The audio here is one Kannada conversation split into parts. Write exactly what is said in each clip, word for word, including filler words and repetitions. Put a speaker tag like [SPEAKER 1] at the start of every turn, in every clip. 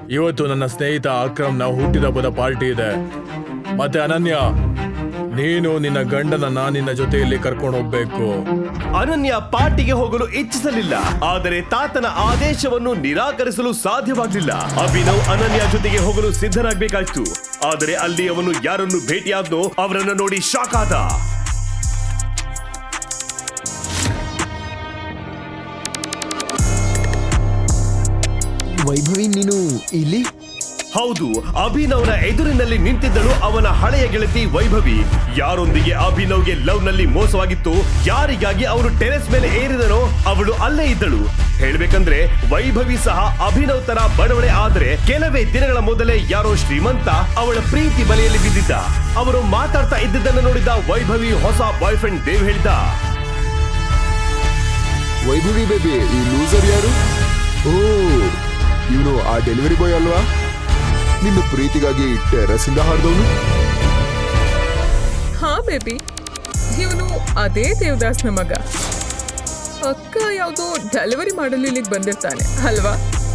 [SPEAKER 1] ಇವತ್ತು ನನ್ನ ಸ್ನೇಹಿತ ಅಕ್ರಮ್ನ ಹುಟ್ಟಿದಬ್ಬದ ಪಾರ್ಟಿ ಇದೆ. ಮತ್ತೆ ಅನನ್ಯ, ನೀನು ನಿನ್ನ ಗಂಡನನ್ನ ನಿನ್ನ ಜೊತೆಯಲ್ಲಿ ಕರ್ಕೊಂಡು ಹೋಗ್ಬೇಕು.
[SPEAKER 2] ಅನನ್ಯ ಪಾರ್ಟಿಗೆ ಹೋಗಲು ಇಚ್ಛಿಸಲಿಲ್ಲ, ಆದರೆ ತಾತನ ಆದೇಶವನ್ನು ನಿರಾಕರಿಸಲು ಸಾಧ್ಯವಾಗಲಿಲ್ಲ. ಅಭಿನವ್ ಅನನ್ಯ ಜೊತೆಗೆ ಹೋಗಲು ಸಿದ್ಧನಾಗಬೇಕಾಯ್ತು. ಆದರೆ ಅಲ್ಲಿ ಅವನು ಯಾರನ್ನು ಭೇಟಿಯಾದ್ನೋ ಅವರನ್ನು ನೋಡಿ ಶಾಕ್ ಆದ.
[SPEAKER 3] ವೈಭವಿ, ನೀನು ಇಲ್ಲಿ?
[SPEAKER 2] ಹೌದು, ಅಭಿನವ್ನ ಎದುರಿನಲ್ಲಿ ನಿಂತಿದ್ದಳು ಅವನ ಹಳೆಯ ಗೆಳತಿ ವೈಭವಿ. ಯಾರೊಂದಿಗೆ ಅಭಿನವ್ಗೆ ಲವ್ ನಲ್ಲಿ ಮೋಸವಾಗಿತ್ತು, ಯಾರಿಗಾಗಿ ಅವನು ಟೆರೆಸ್ ಮೇಲೆ ಏರಿದನೋ ಅವಳು ಅಲ್ಲೇ ಇದ್ದಳು. ಹೇಳ್ಬೇಕಂದ್ರೆ ವೈಭವಿ ಸಹ ಅಭಿನವ್ ತರ ಬಡವಳೆ. ಆದ್ರೆ ಕೆಲವೇ ದಿನಗಳ ಮೊದಲೇ ಯಾರೋ ಶ್ರೀಮಂತ ಅವಳ ಪ್ರೀತಿ ಬಲೆಯಲ್ಲಿ ಬಿದ್ದಿದ್ದ. ಅವರು ಮಾತಾಡ್ತಾ ಇದ್ದಿದ್ದನ್ನು ನೋಡಿದ ವೈಭವಿ ಹೊಸ ಬಾಯ್ ಫ್ರೆಂಡ್ ದೇವ್ ಹೇಳಿದ,
[SPEAKER 3] ವೈಭವಿ ಬೇಬಿ, ಈ ಲೂಸರ್ ಯಾರು? ಓ, ಇವನು ಆ ಡೆಲಿವರಿ ಬಾಯ್ ಅಲ್ವಾ? ನಿನ್ನ ಪ್ರೀತಿಗಾಗಿ ಟೆರಸ್ ಇಂದ ಹಾರ್ದವನು?
[SPEAKER 4] ಹಾ ಬೇಬಿ, ಇವನು ಅದೇ ದೇವದಾಸ್ನ ಮಗ. ಅಕ್ಕ ಯಾವ್ದೋ ಡೆಲಿವರಿ ಮಾಡಲು ಇಲ್ಲಿಗೆ ಬಂದಿರ್ತಾನೆ ಅಲ್ವಾ?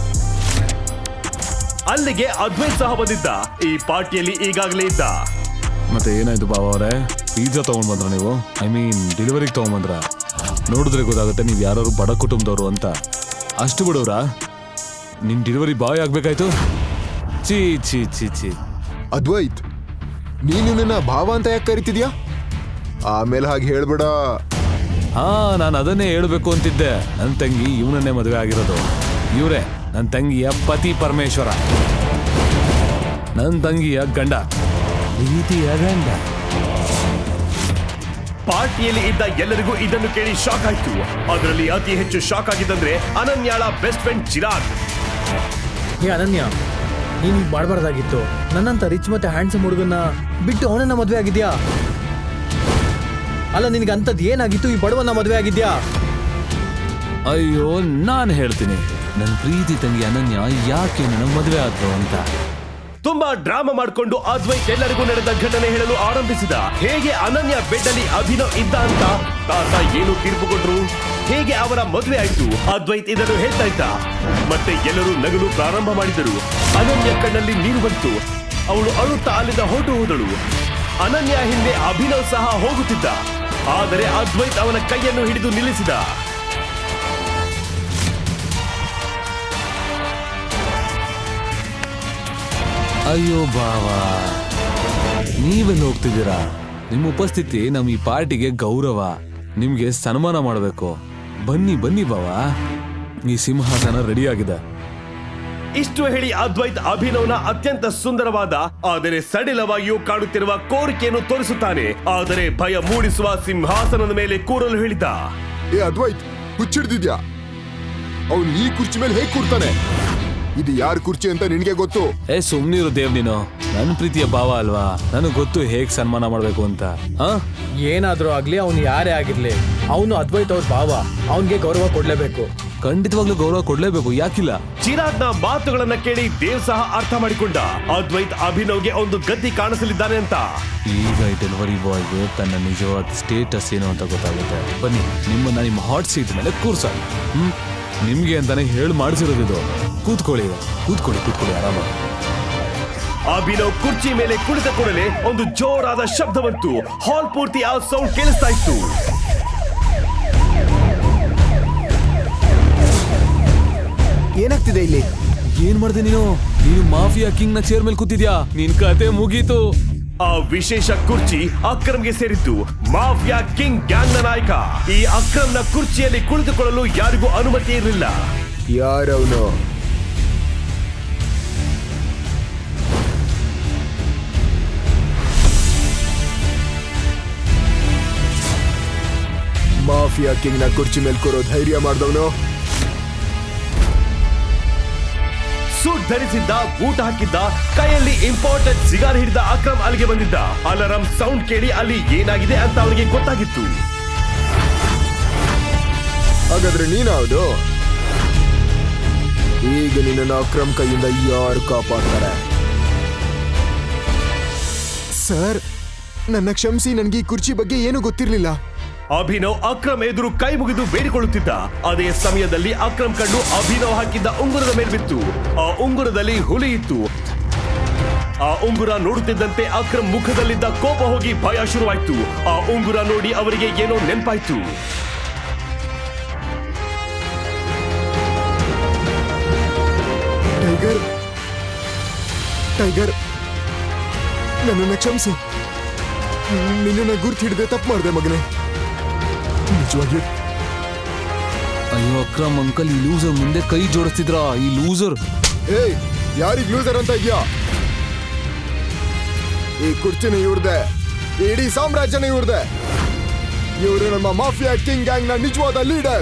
[SPEAKER 2] ಅಲ್ಲಿಗೆ ಅದ್ವೈತ್ ಸಹ ಬಂದಿದ್ದ. ಈ ಪಾರ್ಟಿಯಲ್ಲಿ ಈಗಾಗಲೇ ಇದ್ದ.
[SPEAKER 5] ಮತ್ತೆ ಏನಾಯ್ತು ಬಾವ ಅವರೇ, ಪಿಜ್ಜಾ ತಗೊಂಡ್ ಬಂದ್ರ ನೀವು? ಐ ಮೀನ್ ಡೆಲಿವರಿಗೆ ತಗೊಂಡ್ ಬಂದ್ರ? ನೋಡಿದ್ರೆ ಗೊತ್ತಾಗುತ್ತೆ ನೀವು ಯಾರು ಬಡ ಕುಟುಂಬದವರು ಅಂತ. ಅಷ್ಟು ಬಿಡೋರಾ? ನಿನ್ ಡೆಲಿವರಿ ಬಾಯ್ ಆಗ್ಬೇಕಾಯ್ತು? ಚೀ ಚೀ ಚೀ ಚೀ.
[SPEAKER 3] ಅದ್ವೈತ್, ನೀನು ನನ್ನ ಭಾವ ಅಂತ ಯಾಕೆ ಕರಿತಿದ್ಯಾ? ಆಮೇಲೆ ಹಾಗೆ ಹೇಳ್ಬೇಡ.
[SPEAKER 5] ಹಾ, ನಾನು ಅದನ್ನೇ ಹೇಳ್ಬೇಕು ಅಂತಿದ್ದೆ. ನನ್ನ ತಂಗಿ ಇವನನ್ನೇ ಮದುವೆ ಆಗಿರೋದು. ಇವರೇ ನನ್ನ ತಂಗಿಯ ಪತಿ ಪರಮೇಶ್ವರ, ನನ್ನ ತಂಗಿಯ ಗಂಡ, ಪ್ರೀತಿಯ ಗಂಡ.
[SPEAKER 2] ಪಾರ್ಟಿಯಲ್ಲಿ ಇದ್ದ ಎಲ್ಲರಿಗೂ ಇದನ್ನು ಕೇಳಿ ಶಾಕ್ ಆಯ್ತು. ಅದರಲ್ಲಿ ಅತಿ ಹೆಚ್ಚು ಶಾಕ್ ಆಗಿದ್ದಂದ್ರೆ ಅನನ್ಯಾಳ ಬೆಸ್ಟ್ ಫ್ರೆಂಡ್ ಚಿರಾಗ್.
[SPEAKER 6] ಹೇ ಅನನ್ಯ, ನೀನು ಈಗ ಮಾಡಬಾರ್ದಾಗಿತ್ತು. ನನ್ನಂತ ರಿಚ್ ಮತ್ತೆ ಹ್ಯಾಂಡ್ಸಮ್ ಹುಡುಗನ್ನ ಬಿಟ್ಟು ಅವನನ್ನ ಮದುವೆ ಆಗಿದ್ಯಾ? ಅಲ್ಲ, ನಿನಗೆ ಅಂಥದ್ದು ಏನಾಗಿತ್ತು ಈ ಬಡವನ್ನ ಮದುವೆ ಆಗಿದ್ಯಾ?
[SPEAKER 5] ಅಯ್ಯೋ, ನಾನು ಹೇಳ್ತೀನಿ ನನ್ನ ಪ್ರೀತಿ ತಂಗಿ ಅನನ್ಯ ಯಾಕೆ ನನ್ನ ಮದುವೆ ಆದ್ರು ಅಂತ.
[SPEAKER 2] ತುಂಬಾ ಡ್ರಾಮಾ ಮಾಡಿಕೊಂಡು ಅದ್ವೈತ್ ಎಲ್ಲರಿಗೂ ನಡೆದ ಘಟನೆ ಹೇಳಲು ಆರಂಭಿಸಿದ. ಹೇಗೆ ಅನನ್ಯ ಬೆಡ್ ಅಲ್ಲಿ ಅಭಿನವ್ ಇದ್ದ ಅಂತ, ತಾತ ಏನು ತೀರ್ಪು ಕೊಟ್ರು, ಹೇಗೆ ಅವರ ಮದುವೆ ಆಯ್ತು. ಅದ್ವೈತ್ ಇದನ್ನು ಹೇಳ್ತಾ ಇದ್ದ. ಮತ್ತೆ ಎಲ್ಲರೂ ನಗಲು ಪ್ರಾರಂಭ ಮಾಡಿದರು. ಅನನ್ಯ ಕಣ್ಣಲ್ಲಿ ನೀರು ಬಂತು. ಅವಳು ಅಳುತ್ತಾ ಅಲ್ಲಿಂದ ಹೊರಟು ಹೋದಳು. ಅನನ್ಯ ಹಿಂದೆ ಅಭಿನವ್ ಸಹ ಹೋಗುತ್ತಿದ್ದ. ಆದರೆ ಅದ್ವೈತ್ ಅವನ ಕೈಯನ್ನು ಹಿಡಿದು ನಿಲ್ಲಿಸಿದ.
[SPEAKER 5] ಅಯ್ಯೋ ಬಾವ, ನೀವೆಲ್ಲ ಹೋಗ್ತಿದ್ದೀರಾ? ನಿಮ್ಮ ಉಪಸ್ಥಿತಿ ನಮ್ಮ ಈ ಪಾರ್ಟಿಗೆ ಗೌರವ. ನಿಮ್ಗೆ ಸನ್ಮಾನ ಮಾಡಬೇಕು. ಬನ್ನಿ ಬನ್ನಿ ಬಾವ, ಈ ಸಿಂಹಾಸನ ರೆಡಿ ಆಗಿದೆ.
[SPEAKER 2] ಇಷ್ಟು ಹೇಳಿ ಅದ್ವೈತ್ ಅಭಿನವ್ನ ಅತ್ಯಂತ ಸುಂದರವಾದ ಆದರೆ ಸಡಿಲವಾಗಿಯೂ ಕಾಣುತ್ತಿರುವ ಕೋರಿಕೆಯನ್ನು ತೋರಿಸುತ್ತಾನೆ. ಆದರೆ ಭಯ ಮೂಡಿಸುವ ಸಿಂಹಾಸನದ ಮೇಲೆ ಕೂರಲು ಹೇಳಿದ.
[SPEAKER 3] ಏ ಅದ್ವೈತ್, ಹುಚ್ಚಿಡ್ದಿದ್ಯಾ? ಅವನು ಈ ಕುರ್ಚಿ ಮೇಲೆ ಹೇಗೆ ಕೂರ್ತಾನೆ? ಇದು ಯಾರ ಕುರ್ಚಿ ಅಂತ ನಿನಗೆ ಗೊತ್ತು?
[SPEAKER 5] ಏ ಸುಮ್ನಿರು ದೇವ್, ನೀನು ನನ್ನ ಪ್ರೀತಿಯ ಭಾವ ಅಲ್ವಾ? ನನಗೆ ಗೊತ್ತು ಹೇಗ್ ಸನ್ಮಾನ ಮಾಡ್ಬೇಕು ಅಂತ. ಹ
[SPEAKER 6] ಏನಾದ್ರೂ ಆಗ್ಲಿ, ಅವನು ಯಾರೇ ಆಗಿರ್ಲಿ, ಅವನು ಅದ್ವೈತ್ ಅವ್ರ ಭಾವ. ಅವನ್ಗೆ ಗೌರವ ಕೊಡ್ಲೇಬೇಕು.
[SPEAKER 5] ಖಂಡಿತವಾಗ್ಲೂ ಗೌರವ ಕೊಡ್ಲೇಬೇಕು, ಯಾಕಿಲ್ಲ?
[SPEAKER 2] ಚಿರಾಗ್ನ ಮಾತುಗಳನ್ನ ಕೇಳಿ ದೇವ್ ಸಹ ಅರ್ಥ ಮಾಡಿಕೊಂಡ. ಅದ್ವೈತ್ ಅಭಿನವ್ಗೆ ಒಂದು ಗದ್ದಿ ಕಾಣಿಸಲಿದ್ದಾನೆ ಅಂತ.
[SPEAKER 5] ಈಗ ಈ ಡೆಲಿವರಿ ಬಾಯ್ಗೆ ತನ್ನ ನಿಜವಾದ ಸ್ಟೇಟಸ್ ಏನು ಅಂತ ಗೊತ್ತಾಗುತ್ತೆ. ಬನ್ನಿ, ನಿಮ್ಮನ್ನ ನಿಮ್ಮ ಹಾಟ್ ಸೀಟ್ ಮೇಲೆ ಕೂರ್ಸ. ಹ್ಮ್ ನಿಮ್ಗೆ ಅಂತಾನೆ ಹೇಳಿ ಮಾಡಿಸಿರೋದು. ಕೂತ್ಕೊಳ್ಳಿ ಕೂತ್ಕೊಳ್ಳಿ ಕೂತ್ಕೊಳ್ಳಿ ಆರಾಮಾಗಿ.
[SPEAKER 2] ಅಭಿನವ್ ಕುರ್ಚಿ ಮೇಲೆ ಕುಳಿತ ಕೂಡಲೇ ಒಂದು ಜೋರಾದ ಶಬ್ದ ಬಂತು. ಹಾಲ್ ಪೂರ್ತಿ ಆ ಸೌಂಡ್ ಕೇಳಿಸ್ತಾ ಇತ್ತು.
[SPEAKER 3] ಏನಾಗ್ತಿದೆ ಇಲ್ಲಿ?
[SPEAKER 5] ಏನ್ ಮಾಡ್ದೆ ನೀನು? ನೀನು ಮಾಫಿಯಾ ಕಿಂಗ್ ನ ಚೇರ್ ಮೇಲೆ ಕೂತಿದ್ಯಾ? ನಿನ್ ಕತೆ ಮುಗೀತು.
[SPEAKER 2] ಆ ವಿಶೇಷ ಕುರ್ಚಿ ಅಕ್ರಮ್ಗೆ ಸೇರಿತ್ತು. ಮಾಫಿಯಾ ಕಿಂಗ್ ಗ್ಯಾಂಗ್ ನ ನಾಯಕ. ಈ ಅಕ್ರಮ್ನ ಕುರ್ಚಿಯಲ್ಲಿ ಕುಳಿತುಕೊಳ್ಳಲು ಯಾರಿಗೂ ಅನುಮತಿ ಇರಲಿಲ್ಲ.
[SPEAKER 3] ಯಾರವನು? ಮಾಫಿಯಾ ಕಿಂಗ್ ನ ಕುರ್ಚಿ ಮೇಲೆ ಕೂರೋ ಧೈರ್ಯ ಮಾಡಿದವನು?
[SPEAKER 2] ಸೂಟ್ ಧರಿಸಿದ್ದ, ಬೂಟ್ ಹಾಕಿದ್ದ, ಕೈಯಲ್ಲಿ ಇಂಪಾರ್ಟೆಂಟ್ ಸಿಗಾರ್ ಹಿಡಿದ ಅಕ್ರಮ್ ಅಲ್ಲಿಗೆ ಬಂದಿದ್ದ. ಅಲಾರಂ ಸೌಂಡ್ ಕೇಳಿ ಅಲ್ಲಿ ಏನಾಗಿದೆ ಅಂತ ಅವನಿಗೆ ಗೊತ್ತಾಗಿತ್ತು.
[SPEAKER 3] ಹಾಗಾದ್ರೆ ನೀನಾವುದು? ಈಗ ನಿನ್ನ ಅಕ್ರಮ್ ಕೈಯಿಂದ ಯಾರು ಕಾಪಾಡ್ತಾರೆ? ಸರ್, ನನ್ನ ಕ್ಷಮಿಸಿ, ನನಗೆ ಈ ಕುರ್ಚಿ ಬಗ್ಗೆ ಏನು ಗೊತ್ತಿರಲಿಲ್ಲ.
[SPEAKER 2] ಅಭಿನವ್ ಅಕ್ರಮ್ ಎದುರು ಕೈ ಮುಗಿದು ಬೇಡಿಕೊಳ್ಳುತ್ತಿದ್ದ. ಅದೇ ಸಮಯದಲ್ಲಿ ಅಕ್ರಮ್ ಕಣ್ಣು ಅಭಿನವ್ ಹಾಕಿದ್ದ ಉಂಗುರದ ಮೇಲೆ ಬಿತ್ತು. ಆ ಉಂಗುರದಲ್ಲಿ ಹುಲಿ ಇತ್ತು. ಆ ಉಂಗುರ ನೋಡುತ್ತಿದ್ದಂತೆ ಅಕ್ರಮ್ ಮುಖದಲ್ಲಿದ್ದ ಕೋಪ ಹೋಗಿ ಭಯ ಶುರುವಾಯ್ತು. ಆ ಉಂಗುರ ನೋಡಿ ಅವರಿಗೆ ಏನೋ ನೆನಪಾಯ್ತು.
[SPEAKER 3] ಟೈಗರ್ ಟೈಗರ್ ನನ್ನನ್ನು ಕ್ಷಮಿಸು. ನಿನ್ನನ್ನು ಗುರ್ತು ಹಿಡಿದೆ ತಪ್ಪು ಮಾಡಿದೆ ಮಗನೇ. ನಿಜವಾಗಿಯೂ
[SPEAKER 5] ಅಯ್ಯೋ ಅಕ್ರಮ್ ಅಂಕಲ್, ಈ ಲೂಸರ್ ಮುಂದೆ ಕೈ ಜೋಡಿಸ್ತಿದ್ರ. ಈ ಲೂಸರ್
[SPEAKER 3] ಏಯ್, ಯಾರಿಗ್ ಲೂಸರ್ ಅಂತ ಇದ್ಯಾ? ಈ ಕುರ್ಚಿನ ಇವ್ರದೆ, ಇಡೀ ಸಾಮ್ರಾಜ್ಯನ ಇವ್ರದೆ. ಇವರು ನಮ್ಮ ಮಾಫಿಯಾ ಕಿಂಗ್ ಗ್ಯಾಂಗ್ ನ ನಿಜವಾದ ಲೀಡರ್,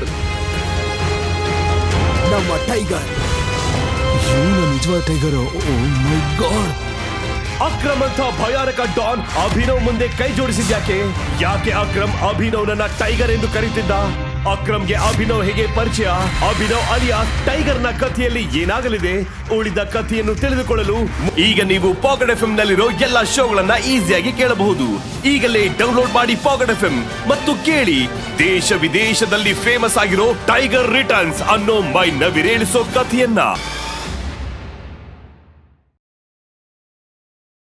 [SPEAKER 3] ನಮ್ಮ ಟೈಗರ್.
[SPEAKER 5] ಇವನ ನಿಜವಾದ tiger. Oh my god.
[SPEAKER 2] Akram ಅಂತ ಭಯಾನಕ ಡಾನ್ ಅಭಿನವ್ ಮುಂದೆ ಕೈ ಜೋಡಿಸಿದ್ಯಾಕೆ? ಯಾಕೆ ಅಕ್ರಮ್ ಅಭಿನವ್ನನ್ನ ಟೈಗರ್ ಎಂದು ಕರೀತಿದ್ದ? ಅಕ್ರಮ್ಗೆ ಅಭಿನವ್ ಹೇಗೆ ಪರಿಚಯ? ಅಭಿನವ್ ಅಲಿಯಾಸ್ ಟೈಗರ್ ನ ಕಥೆಯಲ್ಲಿ ಏನಾಗಲಿದೆ? ಉಳಿದ ಕಥೆಯನ್ನು ತಿಳಿದುಕೊಳ್ಳಲು ಈಗ ನೀವು ಪಾಕೆಟ್ ಎಫ್ ಎಂ ನಲ್ಲಿರೋ ಎಲ್ಲಾ ಶೋಗಳನ್ನ ಈಸಿಯಾಗಿ ಕೇಳಬಹುದು. ಈಗಲೇ ಡೌನ್ಲೋಡ್ ಮಾಡಿ ಪಾಕೆಟ್ ಎಫ್ ಎಂ ಮತ್ತು ಕೇಳಿ ದೇಶ ವಿದೇಶದಲ್ಲಿ ಫೇಮಸ್ ಆಗಿರೋ ಟೈಗರ್ ರಿಟರ್ನ್ಸ್ ಅನ್ನೋ ಮೈ ನವಿರೇಳಿಸೋ ಕಥೆಯನ್ನ.